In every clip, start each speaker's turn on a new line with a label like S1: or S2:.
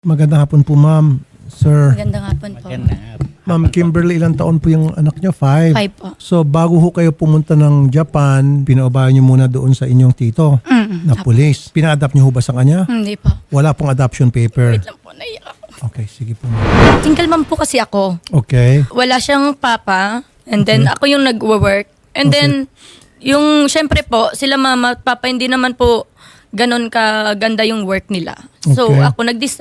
S1: Magandang hapon po, ma'am. Sir,
S2: Magandang hapon po.
S1: ma'am Kimberly, ilang taon po yung anak niyo? 5.
S2: 5 po.
S1: So, bago ho kayo pumunta ng Japan, pinaubayan niyo muna doon sa inyong tito na pulis. Pina-adapt niyo ho ba sa kanya?
S2: Hindi po.
S1: Wala pong adoption paper.
S2: Wait lang po, naiyak ako.
S1: Okay, sige po, ma'am.
S2: Single mom po kasi ako.
S1: Okay.
S2: Wala siyang papa. And then ako yung nag-work. And then, yung syempre po, sila mama at papa, hindi naman po ganon kaganda yung work nila. So,
S1: Okay.
S2: ako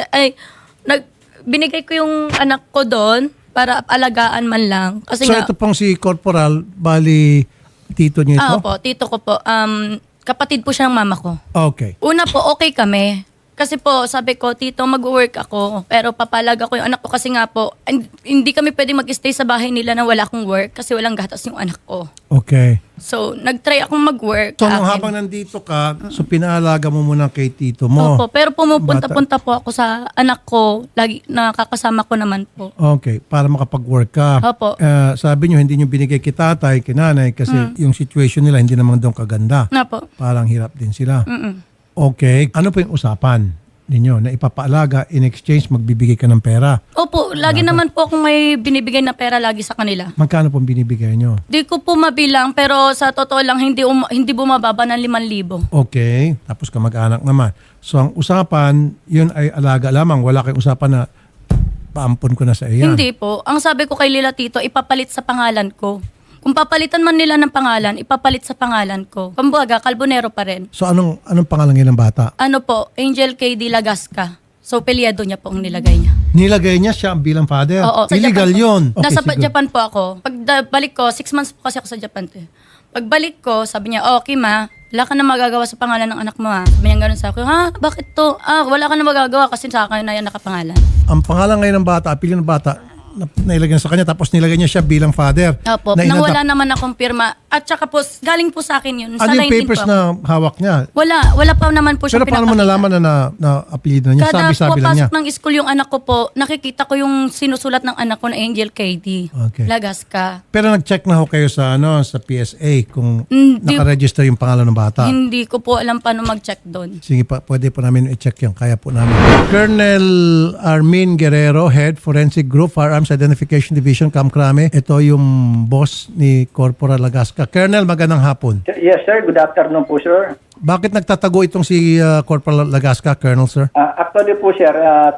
S2: binigay ko yung anak ko doon para alagaan man lang. Kasi
S1: So,
S2: nga,
S1: ito pong si Corporal, bali, tito niyo ito?
S2: po, tito ko po. Kapatid po siya ng mama ko.
S1: Okay.
S2: Una po, okay kami. Kasi po, sabi ko, tito, mag-work ako. Pero papalaga ko yung anak ko kasi nga po, hindi kami pwede mag-stay sa bahay nila na wala akong work kasi walang gatas yung anak ko.
S1: Okay.
S2: So, nag-try akong mag-work.
S1: So, nung
S2: Akin.
S1: habang nandito ka, so pinaalaga mo muna kay tito mo.
S2: Opo, pero pumupunta-punta po ako sa anak ko. Lagi nakakasama ko naman po.
S1: Okay, para makapag-work ka.
S2: Opo.
S1: Sabi nyo, hindi nyo binigay kay tatay, kay nanay, kasi yung situation nila hindi naman doon kaganda.
S2: Na po.
S1: Parang hirap din sila.
S2: Mm-mm.
S1: Okay, ano po yung usapan ninyo na ipapaalaga, in exchange magbibigay ka ng pera?
S2: Opo, lagi naman po akong may binibigay na pera lagi sa kanila.
S1: Magkano pong binibigay nyo?
S2: Di ko po mabilang pero sa totoo lang hindi bumababa ng 5,000.
S1: Okay, tapos kamag-anak naman. So ang usapan, yun ay alaga lamang. Wala kayong usapan na paampon ko na sa iya.
S2: Hindi po. Ang sabi ko kay Lila Tito, ipapalit sa pangalan ko. Kung papalitan man nila ng pangalan, ipapalit sa pangalan ko. Kumbaga, Carbonero pa rin.
S1: So anong pangalan ngayon ng bata?
S2: Ano po, Angel K. De La Gasca. So, pelyado niya po ang nilagay niya.
S1: Nilagay niya siya bilang father?
S2: Oo, sa
S1: Illegal
S2: Japan po.
S1: yun. Okay,
S2: Nasa
S1: sige.
S2: Japan po ako. Pagbalik ko, 6 months po kasi ako sa Japan. Pagbalik ko, sabi niya, okay ma, wala ka na magagawa sa pangalan ng anak mo ha. Sabi niya gano'n sa akin, ha? Bakit to? Wala ka na magagawa kasi sa akin na yan nakapangalan.
S1: Ang pangalan ngayon ng bata, apelyido ng bata, nailagay na sa kanya, tapos nilagay niya siya bilang father.
S2: Opo,
S1: Na
S2: nang
S1: inadapt-
S2: wala naman akong pirma. At saka po, galing po sa akin yun.
S1: Ano
S2: Sa
S1: yung
S2: 19
S1: papers
S2: po.
S1: na hawak niya?
S2: Wala pa naman po siya
S1: Pero paano mo nalaman na apelyido na niya?
S2: Kada
S1: Sabi-sabi lang niya.
S2: papasok ng school yung anak ko po, nakikita ko yung sinusulat ng anak ko na Angel KD.
S1: Okay.
S2: Lagasca.
S1: Pero nag-check na ho kayo sa sa PSA kung
S2: Hindi.
S1: nakaregister yung pangalan ng bata.
S2: Hindi ko po alam paano mag-check doon.
S1: Sige pa, pwede po namin i-check yan. Kaya po namin. Colonel Armin Guerrero, Head Forensic Group, Firearms Identification Division, Kamkrame. Ito yung boss ni Corporal Lagasca. Colonel, magandang hapon.
S3: Yes, sir. Good afternoon po, sir.
S1: Bakit nagtatago itong si Corporal Lagasca, Colonel, sir?
S3: Actually po, sir,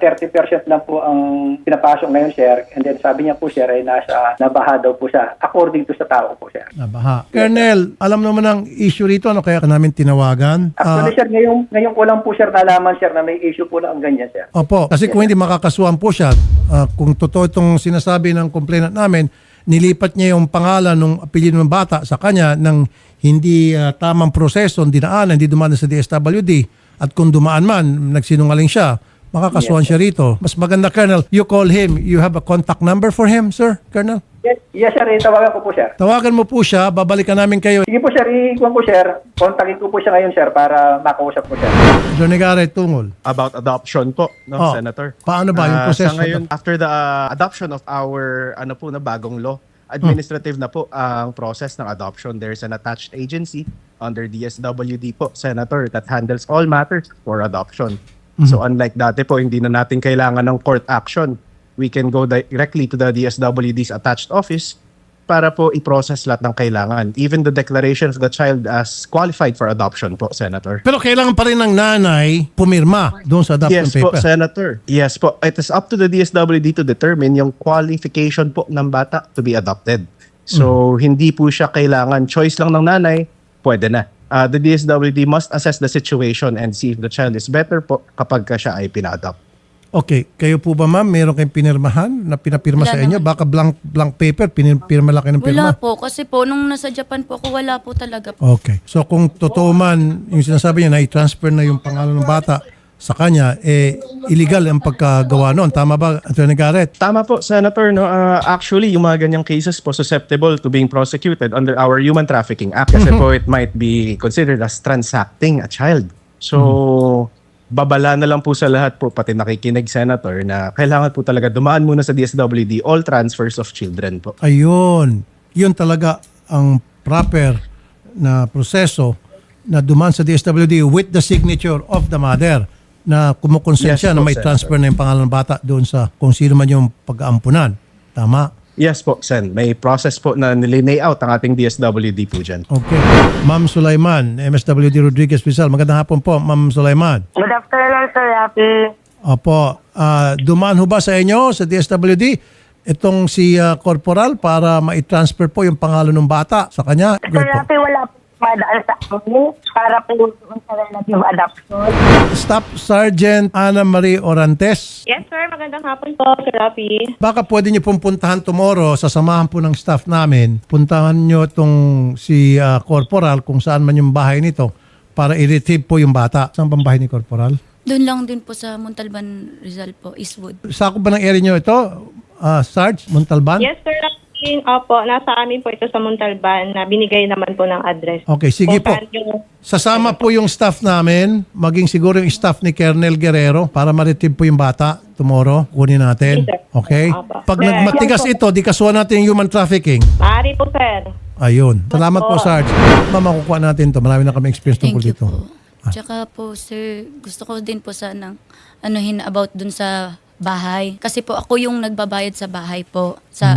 S3: 30% lang po ang pinapasok ngayon, sir. And then sabi niya po, sir, ay nabaha daw po siya. According to sa tao po, sir.
S1: Nabaha. Colonel, alam naman ang issue rito. Ano kaya ka namin tinawagan?
S3: Actually, sir, ngayon ko lang po, sir, nalaman, sir, na may issue po na ang ganyan, sir.
S1: Opo, kasi kung hindi makakasuhan po siya, kung totoo itong sinasabi ng complainant namin, nilipat niya yung pangalan ng apelyido ng bata sa kanya ng hindi tamang proseso, dinaanan, hindi dumaan sa DSWD. At kung dumaan man, nagsinungaling siya, makakasuhan siya rito. Mas maganda, Colonel, you call him. You have a contact number for him, sir, Colonel?
S3: Yes, sir. Tawagan ko po, sir.
S1: Tawagan mo po siya, babalikan namin kayo.
S3: Sige po, sir. Ikuha po, sir. Kontakin ko po siya ngayon, sir, para makausap po, sir.
S1: Johnny Garrett, tungol.
S4: About adoption po, no,
S1: Oh,
S4: Senator.
S1: paano ba yung proseso?
S4: Sa ngayon, after the adoption of our bagong law, administrative na po ang process ng adoption. There's an attached agency under DSWD po, Senator, that handles all matters for adoption. So unlike dati po, hindi na natin kailangan ng court action. We can go directly to the DSWD's attached office para po i-process lahat ng kailangan. Even the declaration of the child as qualified for adoption po, Senator.
S1: Pero kailangan pa rin ng nanay pumirma doon sa adoption
S4: Yes po,
S1: paper.
S4: Senator. Yes po. It is up to the DSWD to determine yung qualification po ng bata to be adopted. So, hindi po siya kailangan. Choice lang ng nanay, pwede na. The DSWD must assess the situation and see if the child is better po kapag ka siya ay pina-adopt.
S1: Okay, kayo po ba ma'am, meron kayong pinirmahan na pinapirma
S2: Wala
S1: sa inyo? Baka blank paper, pinirma lang kayo ng pirma?
S2: Wala po, kasi po, nung nasa Japan po ako, wala po talaga po.
S1: Okay. So kung totoo man, yung sinasabi niya na i-transfer na yung pangalan ng bata sa kanya, illegal ang pagkagawa noon. Tama ba, Attorney Garrett?
S4: Tama po, Senator. No? Actually, yung mga ganyang cases po susceptible to being prosecuted under our Human Trafficking Act kasi po it might be considered as transacting a child. So, babala na lang po sa lahat po, pati nakikinig, Senator, na kailangan po talaga dumaan muna sa DSWD all transfers of children po.
S1: Ayun. Yun talaga ang proper na proseso na dumaan sa DSWD with the signature of the mother. na kumukonsensya
S4: Yes
S1: na
S4: po,
S1: may
S4: Senator.
S1: transfer na yung pangalan ng bata doon sa kung sino man yung pag-aampunan. Tama?
S4: Yes po, Sen. May process po na nilinay out ang ating DSWD po dyan.
S1: Okay. Ma'am Sulaiman, MSWD Rodriguez Rizal. Magandang hapon po, Ma'am Sulaiman.
S5: Good afternoon, Sir Rafi.
S1: Opo. Dumaan ho ba sa inyo, sa DSWD, itong si Corporal para ma-transfer po yung pangalan ng bata sa kanya?
S5: Sir
S1: Good po.
S5: Rafi, wala po madaan sa amin para po doon sa relative adoption.
S1: Staff Sergeant Ana Marie Orantes.
S6: Yes, sir. Magandang hapon po, Sir Rafi.
S1: Baka pwede niyo pong puntahan tomorrow, sasamahan po ng staff namin, puntahan niyo itong si Corporal kung saan man yung bahay nito para i-retrieve po yung bata. Saan bang bahay ni Corporal?
S2: Doon lang din po sa Montalban, Rizal po, Eastwood.
S1: Sako ba ng area niyo ito, Sarge, Montalban?
S6: Yes, Sir Rafi. Opo, nasa amin po ito sa Montalban na binigay naman po ng address.
S1: Okay, sige
S6: Kung
S1: po.
S6: saan yung-
S1: Sasama po yung staff namin, maging siguro yung staff ni Colonel Guerrero para ma-retrieve po yung bata tomorrow. Kunin natin.
S6: Yes, sir.
S1: Okay?
S6: Opo.
S1: Pag
S6: Sir,
S1: nagmatigas ito, di kasuhan natin yung human trafficking.
S6: Maaari po, sir.
S1: Ayun. Salamat po,
S6: Opo.
S1: Sarge. Ma'am, makukuha natin to. Marami na kami experience tungkol
S2: Thank you
S1: dito.
S2: po. Tsaka po, sir, gusto ko din po sanang anuhin about dun sa bahay. Kasi po ako yung nagbabayad sa bahay po.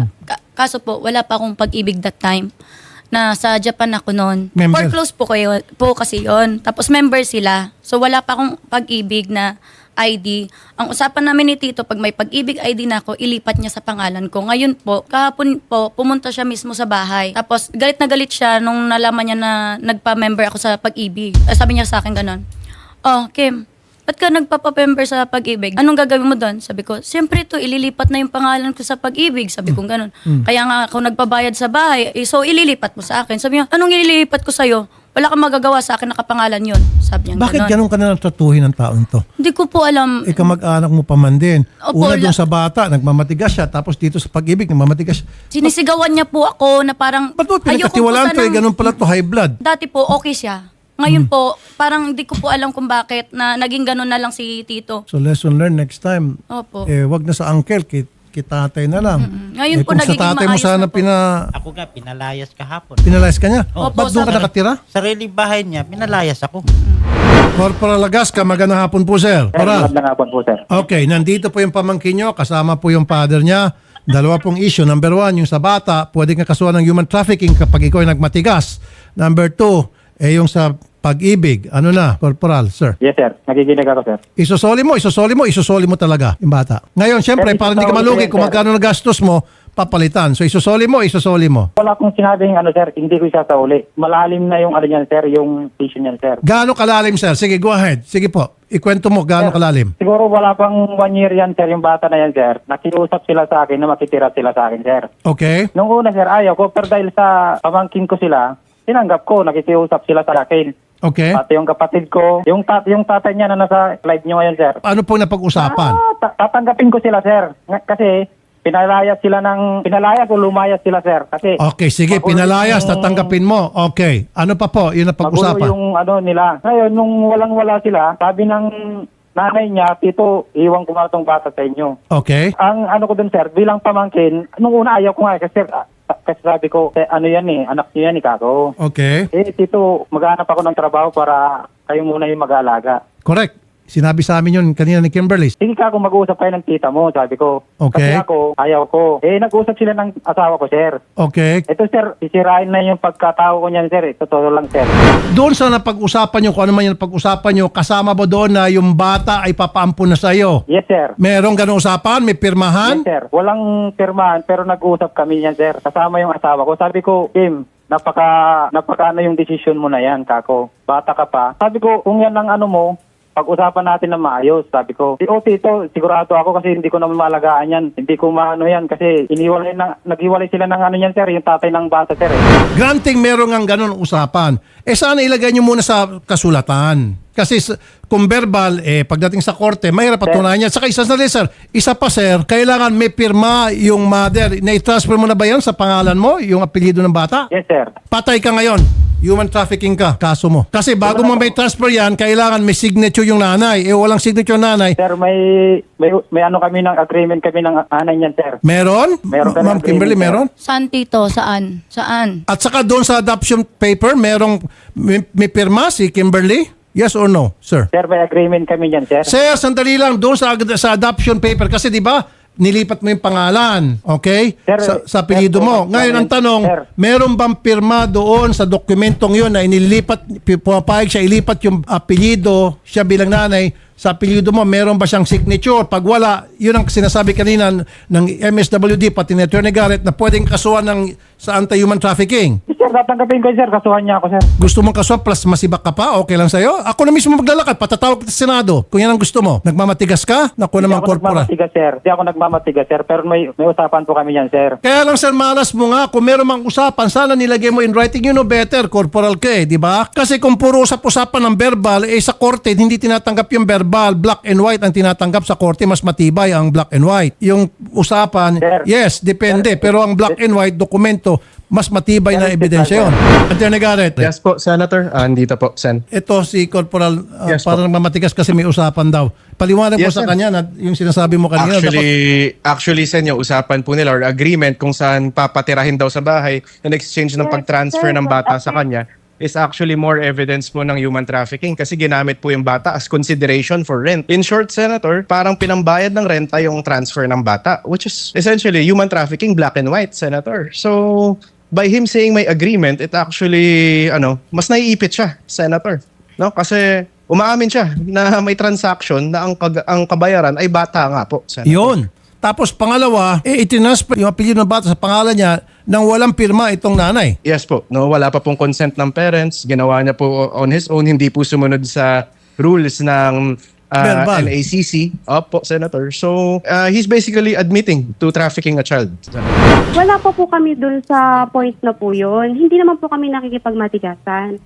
S2: Kaso po, wala pa akong pag-ibig that time. Na sa Japan ako noon.
S1: Member.
S2: For close po kayo po kasi yon. Tapos member sila. So wala pa akong pag-ibig na ID. Ang usapan namin ni Tito, pag may pag-ibig ID na ako, ilipat niya sa pangalan ko. Ngayon po, kahapon po, pumunta siya mismo sa bahay. Tapos galit na galit siya nung nalaman niya na nagpa-member ako sa pag-ibig. Sabi niya sa akin ganon, "Oh, Kim, ba't ka nagpapa-member sa pag-ibig? Anong gagawin mo doon?" Sabi ko, "Siyempre to, ililipat na yung pangalan ko sa pag-ibig." Sabi ko ganon. Kaya nga ako nagbabayad sa bahay, so ililipat mo sa akin. Sabi niya, "Anong ililipat ko sa'yo? Wala kang magagawa sa akin, nakapangalan yun." Sabi niya
S1: Bakit
S2: ganon.
S1: ganun ka na tratuhin ng taon to?
S2: Hindi ko po alam.
S1: Ikaw mag-anak mo pa man din.
S2: Opo,
S1: Una doon sa bata, nagmamatigas siya. Tapos dito sa pag-ibig, nagmamatigas siya.
S2: Sinisigawan niya po ako na parang
S1: Ba't mo
S2: ayoko po
S1: pinagkatiwalaan to?
S2: sanang-
S1: Ganun pala to, high blood.
S2: Dati po okay siya. Ngayon po, parang hindi ko po alam kung bakit na naging ganun na lang si Tito.
S1: So lesson learned next time.
S2: Opo.
S1: Wag na sa uncle, kitatay na lang.
S2: Ngayon po
S1: kung sa
S2: nagiging
S1: tatay mo
S2: maayos
S1: sana
S2: na po.
S7: Ako nga, pinalayas kahapon.
S1: pinalayas ka niya.
S2: Opo,
S1: Ba't doon ka
S2: sa-
S1: nakatira?
S7: Sariling bahay niya, pinalayas ako.
S1: Corporal Lagasca, magandang hapon po, sir. Corporal.
S3: Magandang hapon po, sir.
S1: Okay, nandito po yung pamangkin nyo, kasama po yung father niya. Dalawa pong issue. Number 1, yung sa bata, pwede kang kasuhan ng human trafficking kapag ikaw ay nagmatigas. Number 2, yung sa pag-ibig. Ano na, Corporal, sir?
S3: Yes, sir. Nakikinig ako, sir.
S1: Isosoli mo talaga yung bata. Ngayon, syempre,
S3: Sir,
S1: para hindi ka
S3: isosoli
S1: malugi
S3: ko yan,
S1: kung
S3: sir.
S1: magkano na gastos mo, papalitan. So, isosoli mo.
S3: Wala akong sinabing sir, hindi ko isasauli. Malalim na yung niyan, sir, yung issue niyan, sir.
S1: Gaano kalalim, sir? Sige, go ahead. Sige po. Ikwento mo gaano kalalim.
S3: Siguro wala pang 1 year yan, sir, yung bata na yan, sir. Nakiusap sila sa akin na makitira sila sa akin, sir.
S1: Okay?
S3: Nung una, sir, ayaw ko, pero dahil sa pamangkin ko sila, tinanggap ko, nakikiusap sila sa akin.
S1: Okay?
S3: Pati yung kapatid ko, yung tatay niya na nasa live niyo ngayon, sir.
S1: Ano po napag-usapan?
S3: Tatanggapin ko sila, sir. Kasi pinalayas o lumayas sila, sir. Kasi
S1: Okay, sige.
S3: magulo
S1: Pinalayas,
S3: yung-
S1: tatanggapin mo. Okay. Ano pa po? Yun
S3: Magulo
S1: napag-usapan.
S3: yung nila. Ngayon, nung walang-wala sila, sabi ng nanay niya, Tito, iwan ko nga itong bata sa inyo.
S1: Okay?
S3: Ang ko dun, sir, bilang pamangkin, nung una ayaw ko nga, kasi sabi ko, ano yan anak niyo yan kako.
S1: Okay.
S3: Tito, maghanap ako ng trabaho para kayo muna yung mag-aalaga.
S1: Correct. Sinabi sa amin yun kanina ni Kimberly.
S3: Sige kako, mag-uusap kayo ng tita mo, sabi ko.
S1: Okay.
S3: Kasi ako, ayaw ko. Nag-usap sila ng asawa ko, sir.
S1: Okay.
S3: Ito, sir, sisirain na yung pagkatao ko niyan, sir. Totoo lang, sir.
S1: Doon sa napag-usapan nyo, kung ano man yung napag-usapan nyo, kasama ba doon na yung bata ay papaampun na sa'yo?
S3: Yes, sir.
S1: Merong ganong usapan? May pirmahan?
S3: Yes, sir. Walang pirmahan, pero nag-usap kami niyan, sir. Kasama yung asawa ko. Sabi ko, Kim, napaka yung decision mo na yan, kako. Bata ka pa. Sabi ko, kung yan ang mo, pag-usapan natin na maayos. Sabi ko, Tito, sigurado ako kasi hindi ko naman malagaan yan. Hindi ko maano yan kasi naghiwalay sila ng yan, sir, yung tatay ng bata, sir.
S1: Granting merong ang ganon usapan. Sana ilagay nyo muna sa kasulatan. Kasi kung verbal, pagdating sa korte, mahirap patunayan yan. Saka isa pa, sir, kailangan may pirma yung mother. Na-transfer mo na ba yan sa pangalan mo, yung apelyido ng bata?
S3: Yes, sir.
S1: Patay ka ngayon. Human trafficking ka, kaso mo. Kasi bago mo may transfer yan, kailangan may signature yung nanay. Walang signature yung nanay.
S3: Sir, may kami ng agreement kami ng anay niyan, sir.
S1: Meron?
S3: Meron ka ng
S1: Ma'am Kimberly,
S3: agreement,
S1: meron?
S2: Saan, Tito? Saan?
S1: At saka doon sa adoption paper, may pirma si Kimberly? Yes or no, sir?
S3: Sir, may agreement kami yan, sir.
S1: Sir, sandali lang doon sa adoption paper kasi 'di ba? Nilipat mo yung pangalan, okay?
S3: Sir,
S1: Sa apelyido
S3: sir,
S1: mo. Ngayon ang tanong,
S3: sir.
S1: meron bang pirma doon sa dokumentong 'yon na inilipat, pumapayag siya ilipat yung apelyido siya bilang nanay sa apelyido mo, meron ba siyang signature? Pag wala, yun ang sinasabi kanina ng MSWD pati ni Attorney Garrett na pwedeng kasuhan sa anti-human trafficking.
S3: Sir, tatanggapin ko, sir. Kasuhan niya ako, sir.
S1: Gusto mong kasuhan plus masibak ka pa? Okay lang sa'yo? Ako na mismo maglalakad, patatawag kita sa Senado. Kung yan ang gusto mo. Nagmamatigas ka? Naku
S3: Hindi
S1: naman
S3: ako
S1: korporal.
S3: nagmamatigas, sir. Hindi ako nagmamatigas, sir. Pero may usapan po kami yan, sir.
S1: Kaya lang sir, malas mo nga. Kung meron mang usapan, sana nilagay mo in writing. You know better, corporal ka di ba? Kasi kung puro usap-usapan ng verbal, sa korte, hindi tinatanggap yung verbal. Black and white ang tinatanggap sa korte. Mas matibay ang black and white. Yung usapan,
S3: Sir.
S1: yes, depende. Pero ang black and white dokumento, mas matibay na ebidensya yun. Attorney Garrett,
S4: Yes po, Senator. Andito po, Sen.
S1: ito si Corporal
S4: Yes,
S1: parang mamatigas kasi may usapan daw. Paliwanag mo
S4: Yes,
S1: sa
S4: sir.
S1: kanya na yung sinasabi mo kanina.
S4: Actually, Sen, yung usapan po nila or agreement kung saan papatirahin daw sa bahay in exchange ng pag-transfer ng bata sa kanya is actually more evidence po ng human trafficking kasi ginamit po yung bata as consideration for rent. In short, Senator, parang pinambayad ng renta yung transfer ng bata, which is essentially human trafficking black and white, Senator. So, by him saying may agreement, it actually, mas naiipit siya, Senator. No? Kasi umaamin siya na may transaction na ang kabayaran ay bata nga po, Senator.
S1: Yun. Tapos pangalawa, itinasper yung apelyido ng bata sa pangalan niya nang walang pirma itong nanay.
S4: Yes po. No, wala pa pong consent ng parents. Ginawa niya po on his own. Hindi po sumunod sa rules ng
S1: Verbal.
S4: NACC. Opo, Senator. So, he's basically admitting to trafficking a child.
S8: Wala pa po kami dun sa point na po yun. Hindi naman po kami nakikipagmatigasan.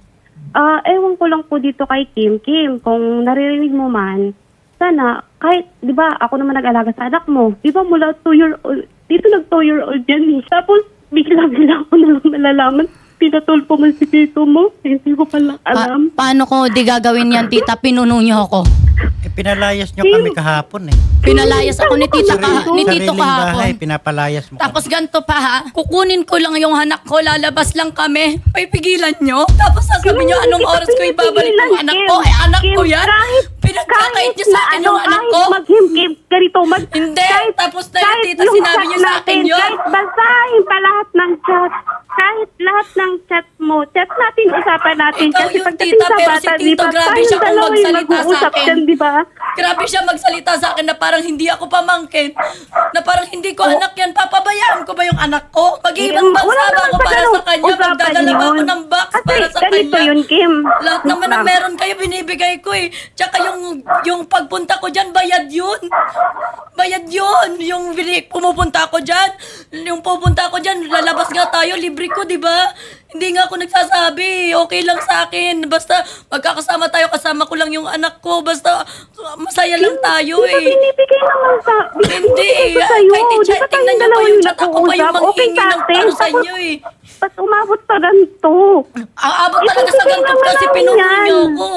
S8: Ewan ko lang po dito kay Kim. Kim, kung naririnig mo man, sana, kahit, di ba, ako naman nag-alaga sa anak mo. Di ba, mula 2-year-old, dito nag-2-year-old yan eh. Tapos, bigla-bigla ako nalang nalalaman, pinatulpo mo si tito mo. Hindi ko pala alam.
S2: Paano ko di gagawin yan, tita? Pinuno niyo ako.
S7: Pinalayas nyo kami kahapon eh.
S2: Pinalayas ako ni tito
S7: Sariling bahay,
S2: kahapon.
S7: pinapalayas mo
S2: Tapos
S7: kami.
S2: ganito pa ha, kukunin ko lang yung anak ko, lalabas lang kami. Pipigilan nyo? Tapos sasabihin nyo anong oras ko ibabalik yung anak ko? Anak ko yan? Pinagkakait niyo sa akin yung anak ko?
S8: Kim, ganito,
S2: Hindi, tapos na yung tita sinabi niyo sa akin yun.
S8: Kahit basahin pa lahat ng chat, kahit lahat ng chat mo, chat natin, usapan natin.
S2: Ikaw
S8: Kasi
S2: yung
S8: pagdating
S2: tita,
S8: sa
S2: pero
S8: bata,
S2: si
S8: di
S2: tito,
S8: ba,
S2: grabe
S8: tayong
S2: siya kung
S8: dalawa yung
S2: magsalita sa
S8: mag-uusap
S2: akin.
S8: dyan, di ba?
S2: Grabe siya magsalita sa akin na parang hindi ako pamangkin. Na parang hindi ko anak yan. Papabayaan ko ba yung anak ko? Mag-iibang bansa
S8: Wala
S2: ba
S8: naman
S2: ako
S8: sa
S2: para
S8: ganun.
S2: sa kanya?
S8: Usapan
S2: Magdadala ba ako
S8: yun.
S2: ng box
S8: Kasi
S2: para sa
S8: ganito
S2: kanya?
S8: yun, Kim.
S2: Lahat naman na meron kayo, binibigay ko eh. Tsaka yung pagpunta ko dyan, bayad yun. Bayad yun. Yung pumupunta ako dyan, yung pupunta ako dyan, lalabas nga tayo, libre ko, di ba? Hindi nga ako nagsasabi. Okay lang sa akin. Basta magkakasama tayo, kasama ko lang yung anak ko. Basta masaya lang tayo
S8: Di ba
S2: eh.
S8: binibigay naman sa...
S2: Hindi.
S8: Binibigay ko sa'yo.
S2: Kahit
S8: Di ba
S2: i-chat,
S8: tayong
S2: tingnan niyo pa
S8: dalawa
S2: yung chat. Ako pa yung
S8: nag-uusap? Okay
S2: manghingi
S8: sa
S2: ng
S8: atin.
S2: taro sa
S8: Tapos,
S2: inyo eh.
S8: ba't umabot sa ganito?
S2: Ang abot talaga sa
S8: Ibibigay
S2: ganito
S8: naman
S2: kasi
S8: namin
S2: pinuno
S8: yan.
S2: niyo ako.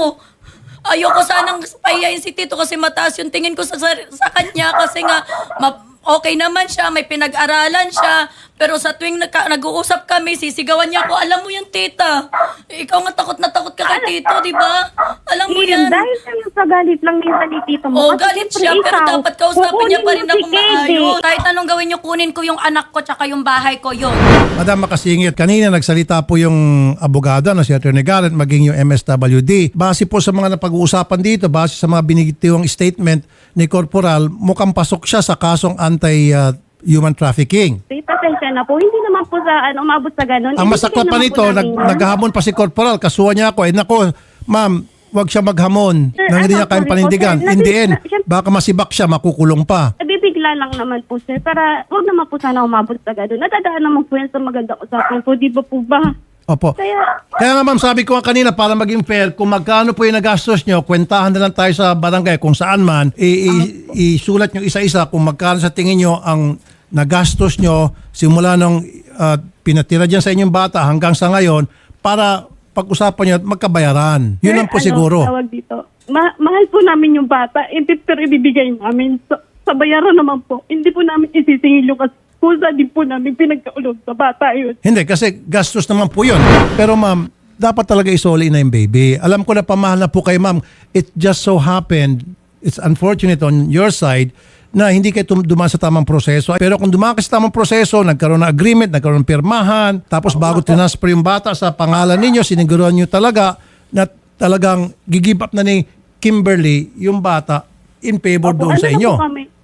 S2: Ayoko sanang pahiyain si Tito kasi mataas yung tingin ko sa kanya kasi nga okay naman siya, may pinag-aralan siya. Pero sa tuwing nag-uusap kami, sisigawan niya ako, alam mo yan, tita. Ikaw nga takot na takot ka kay Tito, di ba? Alam mo yan.
S8: Dahil sa galit lang minsan ni tito mo.
S2: Oo,
S8: Kasi
S2: galit
S8: siyempre
S2: siya, pero
S8: ikaw,
S2: dapat kausapin niya pa rin
S8: kukunin mo
S2: ako
S8: si Kede.
S2: maayos. Kahit anong gawin niyo, kunin ko yung anak ko tsaka yung bahay ko, yun.
S1: Madam Makasingit, kanina nagsalita po yung abogado na si Attorney Garrett maging yung MSWD. Base po sa mga napag-uusapan dito, base sa mga binigitiwang statement ni Corporal, mukhang pasok siya sa kasong anti-human trafficking.
S8: Pasensya na po. Hindi naman po sa umabot sa ganun.
S1: Ang masakot pa nito, naghahamon pa si Corporal, kasuhan niya ako, nako, ma'am, wag siya maghamon
S8: Sir,
S1: nang hindi niya kayang
S8: sorry po,
S1: panindigan.
S8: sir.
S1: In the end, baka masibak siya, makukulong pa.
S8: Nabibigla lang naman po, sir. Para huwag naman po sana umabot sa ganun. Nadadaan naman po yan sa magandang usapan po. Di ba po ba?
S1: Opo.
S8: Kaya,
S1: Kaya nga ma'am, sabi ko nga kanina para maging fair, kung magkano po yung nagastos nyo, kwentahan na lang tayo sa barangay kung saan man, isulat nyo isa-isa kung magkano sa tingin nyo ang nagastos nyo simula nung pinatira dyan sa inyong bata hanggang sa ngayon para pag-usapan nyo at magkabayaran. Yun lang po siguro.
S8: Tawag dito. Mahal po namin yung bata. Pero ibibigay namin. Sa bayaran naman po. Hindi po namin isisingil yung kusa din po namin pinagkaulog sa bata yun.
S1: Hindi, kasi gastos naman po yun. Pero ma'am, dapat talaga isoli na yung baby. Alam ko na pamahal na po kay ma'am. It just so happened, it's unfortunate on your side, na hindi kayo dumaan sa tamang proseso. Pero kung dumaan kayo sa tamang proseso, nagkaroon ng agreement, nagkaroon ng pirmahan, tapos bago transfer yung bata sa pangalan ninyo, siniguruhan nyo talaga na talagang gigib up na ni Kimberly yung bata in favor doon sa inyo.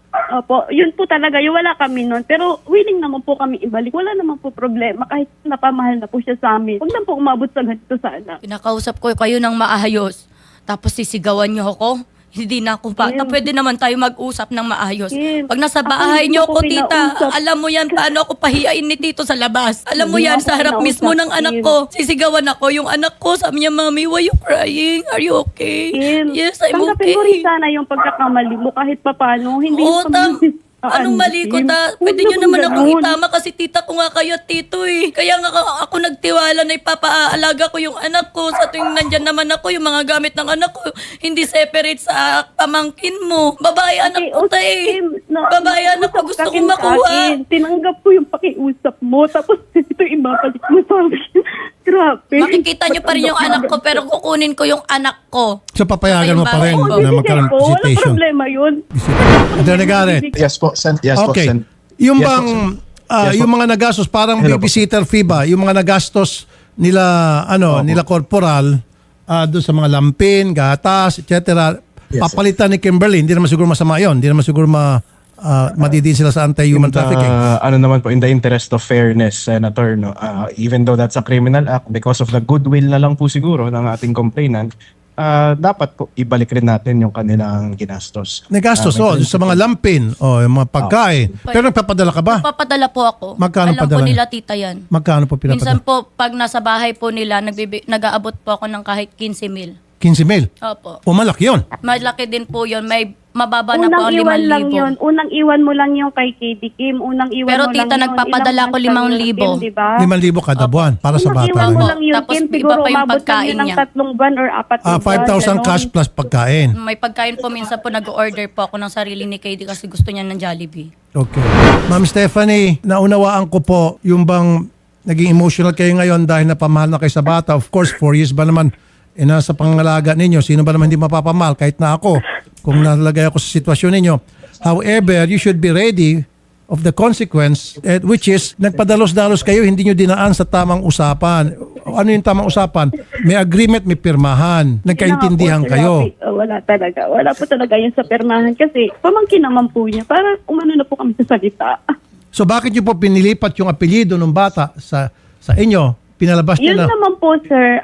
S8: Opo, yun po talaga, yung wala kami nun. Pero willing naman po kami ibalik. Wala naman po problema kahit napamahal na po siya sa amin. Huwag na po umabot sa ganito sana.
S2: Pinakausap ko kayo ng maayos. Tapos sisigawan niyo ako. Hindi na ako bata.
S8: Kim.
S2: Pwede naman tayo mag-usap ng maayos.
S8: Kim,
S2: Pag nasa
S8: ako
S2: bahay
S8: hindi
S2: niyo
S8: ko
S2: ako, tita,
S8: kinausap.
S2: alam mo yan paano ako pahiyain ni tito sa labas. Alam mo
S8: Hindi
S2: yan,
S8: ako
S2: sa harap
S8: kinausap,
S2: mismo ng anak
S8: Kim.
S2: ko. Sisigawan ako. Yung anak ko, sabi niya, Mami, why you crying? Are you okay?
S8: Kim,
S2: Yes, I'm
S8: tanggapin mo rin
S2: okay.
S8: sana yung pagkakamali mo kahit papano. Hindi
S2: Oo,
S8: kami-
S2: anong mali ko,
S8: Kim?
S2: ta?
S8: Huwag
S2: Pwede nyo
S8: naman
S2: naman akong
S8: ganun.
S2: itama kasi tita ko nga kayo at tito eh. Kaya nga ako nagtiwala na ipapaalaga ko yung anak ko. Sa tuwing nandyan naman ako, yung mga gamit ng anak ko, hindi separate sa pamangkin mo. Babae anak ko, ta eh.
S8: Kim,
S2: Babae anak ko, gusto kong makuha.
S8: Tinanggap ko yung pakiusap mo. Tapos ito ibabalik mo sa akin. Grabe.
S2: Makikita nyo pa rin yung anak ko, pero kukunin ko yung anak ko.
S1: So papayagan mo pa rin
S2: Oo,
S1: na magkaroon ng
S8: Wala
S1: visitation.
S8: problema yun.
S1: Attorney Garrett.
S4: Yes po, Sen. Yes po,
S1: Okay.
S4: Sen.
S1: Yung
S4: Yes po,
S1: bang
S4: Sen. Yes po.
S1: yung mga nagastos parang
S4: Hello po.
S1: babysitter fee ba? Yung mga nagastos nila nila corporal doon sa mga lampin, gatas, etc.
S4: Yes,
S1: Papalitan ni Kimberly, hindi naman siguro masama 'yon. Hindi naman siguro madidiin sila sa anti-human trafficking.
S4: Ano naman po, in the interest of fairness, Senator, no, even though that's a criminal act, because of the goodwill na lang po siguro ng ating complainant, dapat po ibalik rin natin yung kanilang ginastos.
S1: Nagastos sa mga lampin o yung mga pagkain. Pero nagpapadala ka ba?
S2: Papadala po ako.
S1: Magkano
S2: Alam
S1: padala
S2: po
S1: niyo?
S2: nila tita yan.
S1: Magkano po
S2: Minsan
S1: pinapadala?
S2: po, pag nasa bahay po nila, nag-aabot po ako ng kahit 15,000.
S1: 15,000.
S2: Opo.
S1: Pumalak 'yon.
S2: Malaki din po yun. May mababa na po
S8: Unang
S2: ang
S8: iwan lang
S2: 5,000.
S8: yun. Unang iwan mo lang yung kay KD Kim. Unang iwan
S2: Pero
S8: mo
S2: tita,
S8: lang yun.
S2: nagpapadala
S8: Ilang
S2: ko
S8: months lang
S2: 5,000.
S8: yun, diba?
S1: 5,000 kada buwan para sa
S8: Unang
S1: bata
S8: iwan mo
S1: lang.
S8: lang yun,
S2: Tapos
S8: Kim.
S2: iba
S8: Siguro
S2: pa yung
S8: umabot
S2: pagkain
S8: kami ng
S2: niya.
S8: 3 buwan or 4 buwan.
S1: 5,000
S8: ganon.
S1: cash plus pagkain.
S2: May pagkain po minsan po nag-order po ako ng sarili ni KD kasi gusto niya ng Jollibee.
S1: Okay. Ma'am Stephanie, naunawaan ko po yung bang naging emotional kayo ngayon dahil napamahal na kayo sa bata. Of course, 4 years ba naman nasa pangalaga ninyo. Sino ba naman hindi mapapamahal? Kahit na ako, kung nalagay ako sa sitwasyon ninyo. However, you should be ready of the consequence, which is, nagpadalos-dalos kayo, hindi nyo dinaan sa tamang usapan. Ano yung tamang usapan? May agreement, may pirmahan. Nagkaintindihan kayo.
S8: Wala talaga. Wala po talaga yun sa permahan kasi pamangkin naman po niya. Para umano na po kami sa salita.
S1: So bakit nyo po pinilipat yung apelyido ng bata sa inyo? Pinalabas
S8: Yun
S1: nyo na.
S8: naman po, sir.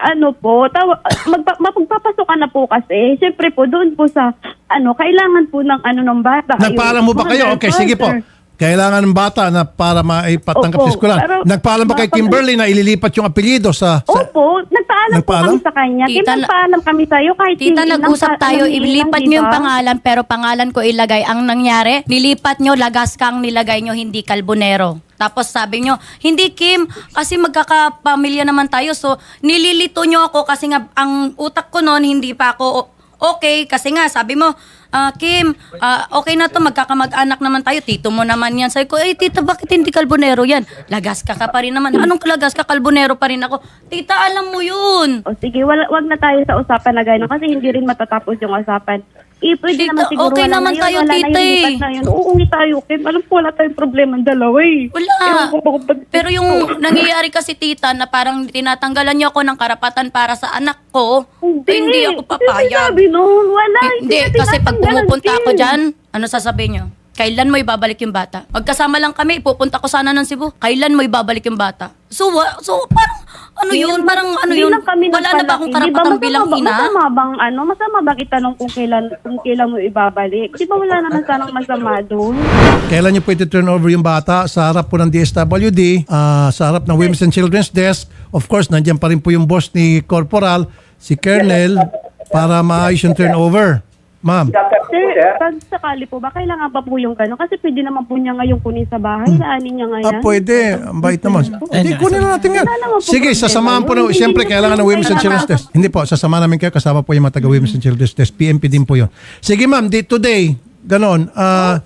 S8: Mapagpapasok ka na po kasi. Siyempre po, doon po sa, kailangan po ng ng bata.
S1: Nagpaalam mo ba kayo? Okay, sige po. Kailangan ng bata na para maipatanggap
S8: Opo,
S1: sa eskwelahan.
S8: pero
S1: Nagpaalam ba kay Kimberly na ililipat yung apelyido sa
S8: Opo, nagpaalam po
S1: Nagpaalam?
S8: kami sa kanya.
S2: Tita,
S8: Nagpaalam kami sa'yo kahit
S2: Tita,
S8: hindi
S2: nag-usap tayo, ilipat nyo yung
S8: diba?
S2: pangalan, pero pangalan ko ilagay. Ang nangyari, nilipat nyo, lagas kang nilagay nyo, hindi Carbonero. Tapos sabi nyo, hindi Kim, kasi magkakapamilya naman tayo. So, nililito nyo ako kasi nga, ang utak ko noon, hindi pa ako okay. Kasi nga, sabi mo, Kim, okay na to, magkakamag-anak naman tayo. Tito mo naman yan. Sabi ko, tita, bakit hindi Carbonero yan? Lagas ka pa rin naman. Anong lagas ka? Carbonero pa rin ako. Tita, alam mo yun.
S8: O sige, wag na tayo sa usapan na gano'n kasi hindi rin matatapos yung usapan. Pwede
S2: Tita,
S8: naman siguro
S2: okay
S8: wala
S2: naman
S8: na yun,
S2: tayo,
S8: wala
S2: tita,
S8: na yun, lipat na yun. Uuwi tayo, Kim. Alam ko, wala tayong problema ang dalawa eh.
S2: Wala.
S8: Ewan ko ba kung pag-
S2: Pero yung nangyayari kasi tita na parang tinatanggalan niyo ako ng karapatan para sa anak ko, hindi ako papayag.
S8: Sabi nun, wala.
S2: Hindi,
S8: na
S2: kasi pag
S8: tinatanggalan,
S2: pumupunta ako
S8: Kim.
S2: dyan, ano sasabihin niyo? Kailan mo ibabalik yung bata? Magkasama lang kami, pupunta ko sana ng Cebu. Kailan mo ibabalik yung bata? So parang, parang
S8: Hindi lang kami
S2: wala na ba akong karapatan bilang ina?
S8: Masama bang itanong kung kailan mo ibabalik? Di ba wala naman sanang masama doon?
S1: kailan nyo po iti-turn over yung bata sa harap po ng DSWD, sa harap ng Women's and Children's Desk. Of course, nandiyan pa rin po yung boss ni Corporal, si Colonel, para maayos yung turnover. Ma'am.
S8: Sir, pag sakali po ba, kailangan pa po yung gano'n? Kasi pwede naman po niya ngayon kunin sa bahay. Laanin niya ngayon.
S1: Pwede. Ang bait naman. Hindi, kunin na natin yan.
S8: Wala naman po
S1: Sige,
S8: problema
S1: sasamahan po
S8: yun.
S1: na. Siyempre, kailangan ng Women's and Children's Desk. Hindi po, sasamahan namin kayo. Kasama po yung mga taga Women's and Children's Desk. PMP din po yun. Sige ma'am, today, ganon.
S8: Wala naman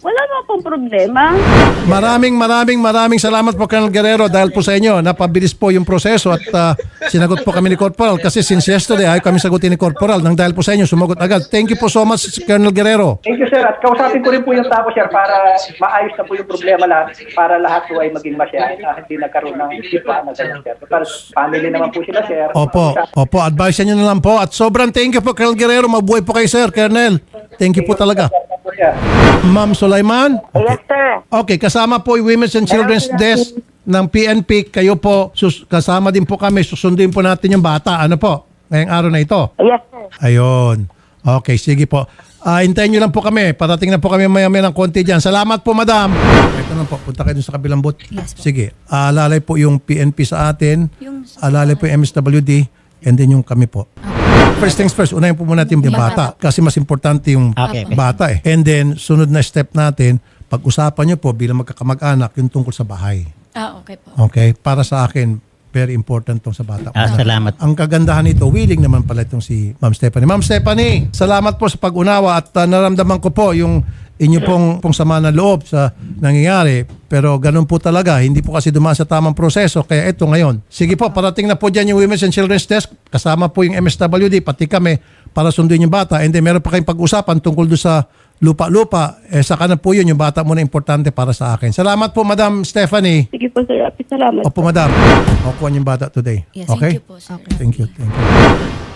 S8: pong problema.
S1: Maraming salamat po, Colonel Guerrero, dahil po sa inyo, napabilis po yung proseso at sinagot po kami ni Corporal kasi since yesterday ayaw kami sagutin ni Corporal. Nang dahil po sa inyo, sumagot agad. Thank you po so much, Colonel Guerrero.
S9: Thank you, sir. At kausapin ko rin po yung tao, sir, para maayos na po yung problema lahat, para lahat po ay maging masaya at hindi nagkaroon ng iba na ganyan, sir. Total, family naman po sila, sir.
S1: Opo, advice nyo na lang po. At sobrang thank you po, Colonel Guerrero. Mabuhay po kayo, sir, Colonel. Thank you po talaga. Ma'am Sulaiman?
S5: Yes, sir.
S1: Okay, kasama po yung Women's and Children's Desk ng PNP. Kayo po, kasama din po kami. Susundin po natin yung bata. Ano po? Ngayong araw na ito.
S5: Yes, sir.
S1: Ayun. Okay, sige po. Hintayin nyo lang po kami. Parating na po kami maya-maya ng konti dyan. Salamat po, madam. Ito lang po. Punta kayo dun sa kabilang booth.
S2: Yes po.
S1: Sige. Alalay po yung PNP sa atin. Alalay po yung MSWD. And then yung kami po. First things first, unahin po muna natin yung bata. Kasi mas importante yung
S7: Okay.
S1: bata eh. And then, sunod na step natin, pag-usapan nyo po bilang magkakamag-anak yung tungkol sa bahay.
S2: Okay po.
S1: Okay? Para sa akin, very important tong sa bata.
S7: Salamat.
S1: Ang kagandahan nito, willing naman pala itong si Ma'am Stephanie. Ma'am Stephanie, salamat po sa pag-unawa at naramdaman ko po yung inyo pong sama ng loob sa nangyayari. Pero ganun po talaga. Hindi po kasi dumaan sa tamang proseso. Kaya ito ngayon. Sige po, parating na po dyan yung Women's and Children's Desk. Kasama po yung MSWD, pati kami, para sunduin yung bata. And then meron pa kayong pag-usapan tungkol doon sa lupa-lupa. Saka na po yun, yung bata muna importante para sa akin. Salamat po, Madam Stephanie.
S8: Sige po, sir. Salamat.
S1: Opo, Madam. Makukuha yung bata today.
S2: Yes,
S1: Okay?
S2: thank you po, sir.
S1: Thank you.